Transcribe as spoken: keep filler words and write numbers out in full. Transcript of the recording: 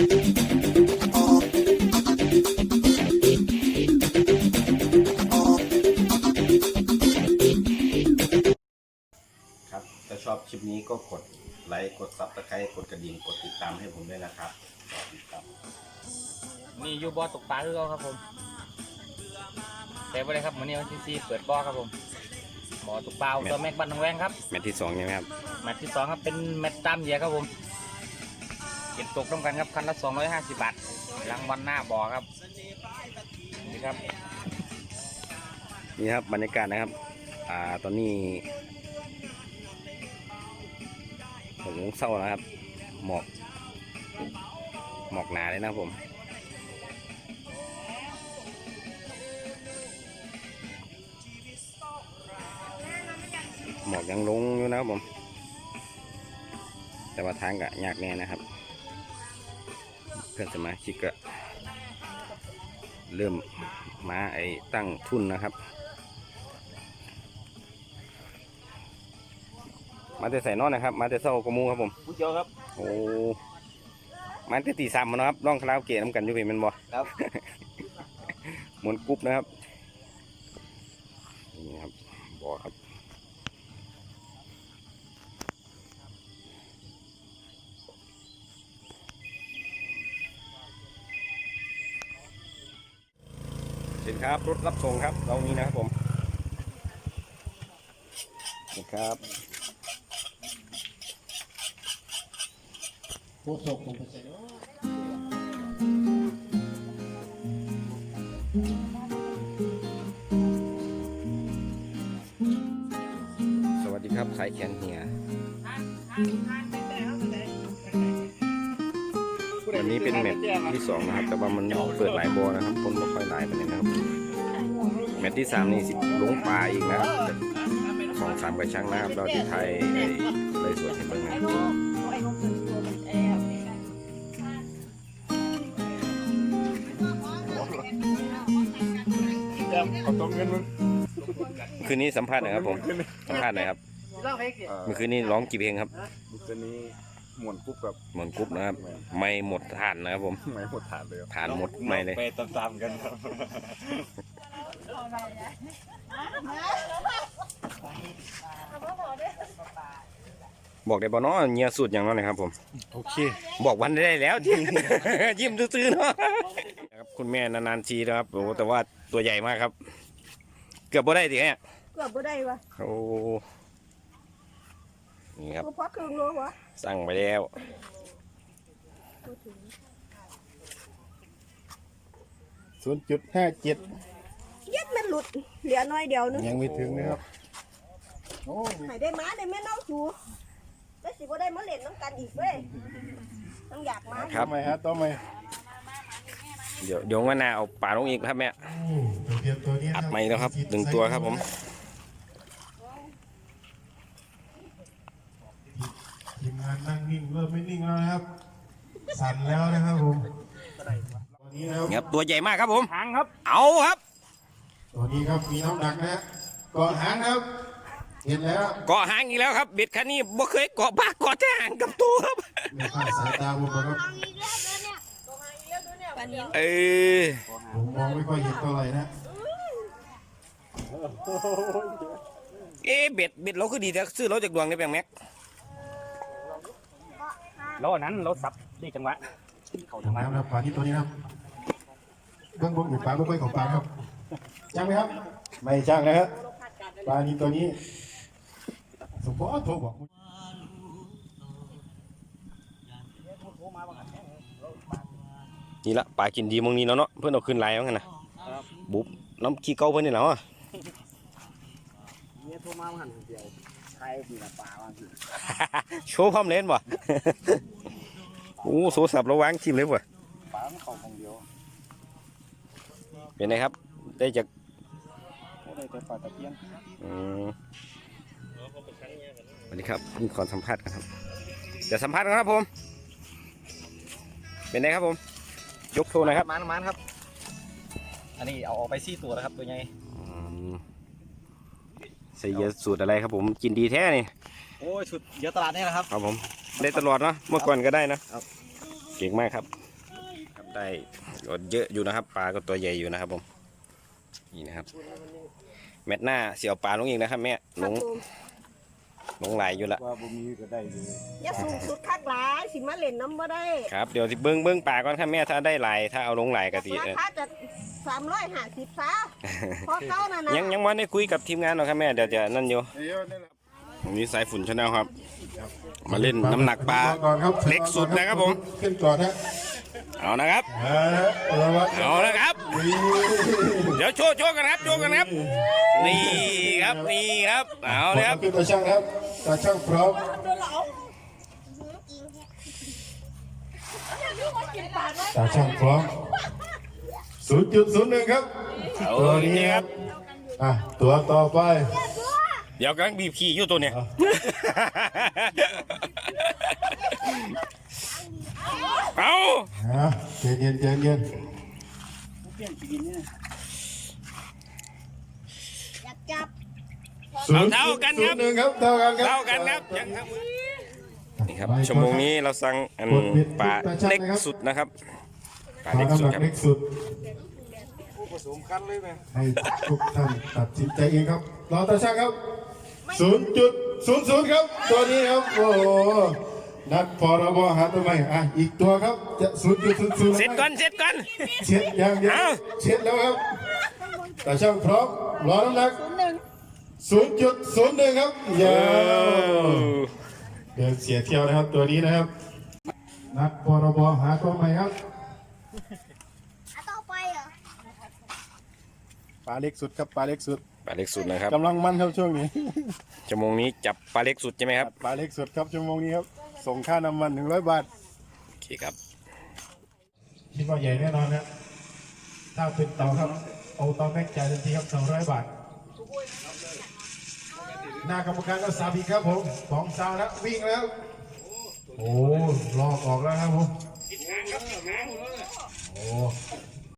ครับถ้าชอบคลิปนี้ก็กดไลค์กดซับสไครต์กดกระดิ่งกดติดตามให้ผมด้วยนะครับสวัสดีครับนี่อยู่บ่อตกปลาคือเขาครับผมแต่บ่ได้ครับวันนี้วันที่สี่เปิดบ่อครับผมบ่อตกปลาตัวแม็กบันทองแวงครับแมตช์ที่สองใช่ไหมครับแมตช์ที่สองครับเป็นแมตช์ตามเหยียครับผมเก็บตกต้องกันครับคันละสองร้อยห้าสิบบาทรางวัลหน้าบ่อครับนี่ครับนี่ครับบรรยากาศนะครับอ่าตอนนี้หกโมงเช้านะครับหมอกหมอกหนาเลยนะผมหมอกยังลงอยู่นะครับผมแต่ว่าทางก็ยากแน่นะครับเพื่อนสมาชิกก็เริ่มมาไอ้ตั้งทุนนะครับมาแต่ใส่นอนนะครับมาแต่เศร้ากระมูครับผมผู้เจ้าครับโอ้มาแต่ตีสามนะครับร้องคาราโอเกะน้ำกันอยู่เป็นบ่ครับหมุนกรุ๊ปนะครับนี่ครับบ่อครับเห็นครับรถรับส่งครับเรานี้นะครับผมนี่ครับโคตรส่งผมไปใส่สวัสดีครับสายแขนเหียวันนี้เป็นแมตช์ที่สองนะครับแต่ว่ามันเปิดหลายบอนะครับคนไม่ค่อยหลายไปเลยนะครับแมตช์ที่สามนี่สิลงปลาอีกนะครับสองสามกระชังนะครับเราที่ไทยเลยสวนเห็นบ้างนะคืนนี้สัมภาษณ์หน่อยครับผมสัมภาษณ์หน่อยครับเมื่อคืนนี้ร้องกี่เพลงครับเมื่อคืนนี้หมวนกุ๊บกับหมวนกุ๊บนะครับไม่หมดฐานนะครับผมไม่หมดฐานเลยฐานหมดไม่เลยไปตามๆกันครับบอกได้บ่เนาะเงียสุดอย่างนั้นนะครับผมโอเคบอกวันได้แล้วยิ้มยิ้มซื่อๆเนาะครับคุณแม่นานๆทีนะครับโอ้แต่ว่าตัวใหญ่มากครับเกือบบ่ได้ดิแม่เกือบบ่ได้วะโอ้นี่ครับพอครึ่งโลวะสั่งไปแล้วศูนย์จุดห้าเจ็ดเย็ดมันหลุดเหลือน้อยเดียวนึงยังไม่ถึงนะครับโอ้ให้ได้มาได้แม่น้องจูได้สิบ่ได้มาเล่นน้ำกันอีกเว้ยต้องอยากมาครับไหมฮะต้องไหมเดี๋ยวเดี๋ยววันหน้าเอาปลาลงอีกครับแม่อัดใหม่แล้วครับหนึ่งตัวครับผมทีมงานนั่งนิ่งเริ่มไม่นิ่งแล้วนะครับสั่นแล้วนะครับผมตอนนี้นะครับตัวใหญ่มากครับผมหางครับเอาครับตัวนี้ครับมีน้ำหนักนะเกาะหางครับเห็นแล้วเกาะหางอีกแล้วครับเบ็ดคันนี้บ่เคยเกาะปากเกาะแต่หางกับตัวครับไม่คาดสายตาผมครับเออผมมองไม่ค่อยเห็นเท่าไหร่นะเอ๊ะเบ็ดเบ็ดเราคือดีแต่ซื้อเราจากดวงได้แปลงแม็กเราอันนั้นเราสับได้จังหวะเขาจังหวะครับปลาที่ตัวนี้ครับเบื้องบนอยู่ปลาไม่ค่อยของปลาครับจ้างไหมครับไม่จ้างนะครับปลานี้ตัวนี้สมพรโทรบอกนี่ละปลากินดีมองนี้เนาะเนาะเพื่อนเอาขึ้นไลน์ว่าไงนะบุ๊บน้ำขี้เกาเพื่อนนี่เหรอเนี่ยโทรมาหันเดียวใครมีปลาบ้างโชว์พร้อมเล่นบ่โอ้โซสับระวังชิมเลยบ่ปลาเขาของเดียวเป็นไงครับได้จากได้แต่ปลาตะเพียนสวัสดีครับมีขอสัมภาษณ์กันครับเดี๋ยวสัมภาษณ์กันครับผมเป็นไงครับผมยกโชว์หน่อยครับมันมันครับอันนี้เอาออกไปซี่ตัวแล้วครับตัวใหญ่ใส่เยอะสูตรอะไรครับผมกินดีแท้นี่โอ้ยชุดเยอะตลาดนี่แหละครับครับผมได้ตลอดเนาะเมื่อก่อนก็ได้นะเก่งมากครับได้ก็เยอะอยู่นะครับปลาก็ตัวใหญ่อยู่นะครับผมนี่นะครับแมตหน้าเสี่ยวปลาลงอีกนะครับแม่ลงลงไหลอยู่ละว่าบ่มีก็ได้เลยอย่าสูงสุดคักหลายสิมาเล่นน้ำบ่ได้ครับเดี๋ยวสิเบิ้งเบิ้งปลาก่อนครับแม่ถ้าได้ไหลถ้าเอาลงไหลก็สิราเอ่อคาจะสามร้อยห้าสิบซะพอเก้านั่นนะยังยังวันได้คุยกับทีมงานหรอกครับแม่เดี๋ยวจะนั่นอยู่เดี๋ยวนี่แหละวันนี้สายฝุ่นชาแนลครับ มาเล่นน้ำหนักปลาก่อนครับเล็กสุดนะครับผมขึ้นก่อนนะเอานะครับอ่าระวังเอานะครับนี่เดี๋ยวโชว์โชว์กันครับโชว์กันครับ นี่ครับนี่ครับเอาเลยครับขึ้นตาช่างครับตาช่างพร้อมตาช่างพร้อมศูนย์จุดศูนย์หนึ่งครับเอาตัวจรินี้งๆคครัรับบ อ่ะตัวต่อไปเดี๋ยวกำลังบีบขี่อยู่ตัวเนี้ย เอาอ่ะเย็นเย็นเย็นเย็นอยากจับศูนย์จุดศูนย์หนึ่งครับเท่ากันครับเท่ากันครับยังครับนี่ครับชั่วโมงนี้เราสั่งอันปลาเล็กสุดนะครับปลาปลาเล็กสุดน้ำหนักครับเล็กสุดผสมกันเลยไหมให้ทุกท่านตัดสินใจเองครับรอตาช่างครับ ศูนย์จุดศูนย์ศูนย์ ครับ ตัวนี้ครับ โอ้โห นัดพรบหาตัวใหม่อ่ะ อีกตัวครับ จะ ศูนย์จุดศูนย์ศูนย์เสร็จก่อนเสร็จก่อนเช็ดอย่างเดียวเอาเช็ดแล้วครับตาช่างพร้อม รอน้ำหนัก ศูนย์จุดศูนย์หนึ่ง ครับยาวเดินเสียเที่ยวนะครับ ตัวนี้นะครับ นัดพรบหาตัวใหม่ครับต่อไปเหรอปลาเล็กสุดครับปลาเล็กสุดปลาเล็กสุดนะครับกำลังมันครับช่วงนี้ชั่วโมงนี้จับปลาเล็กสุดใช่ไหมครับปลาเล็กสุดครับชั่วโมงนี้ครับส่งค่าน้ำมันหนึ่งร้อยบาทโอเคครับคิดว่าใหญ่แน่นอนนะ ถ้าเป็นเต่าครับ เอาเต่าแม็กจ่ายทันทีครับสองร้อยบาท หน้ากรรมการก็สาบีครับผมสองสาวแล้ววิ่งแล้ว โอ้ลอกออกแล้วครับผม โอ้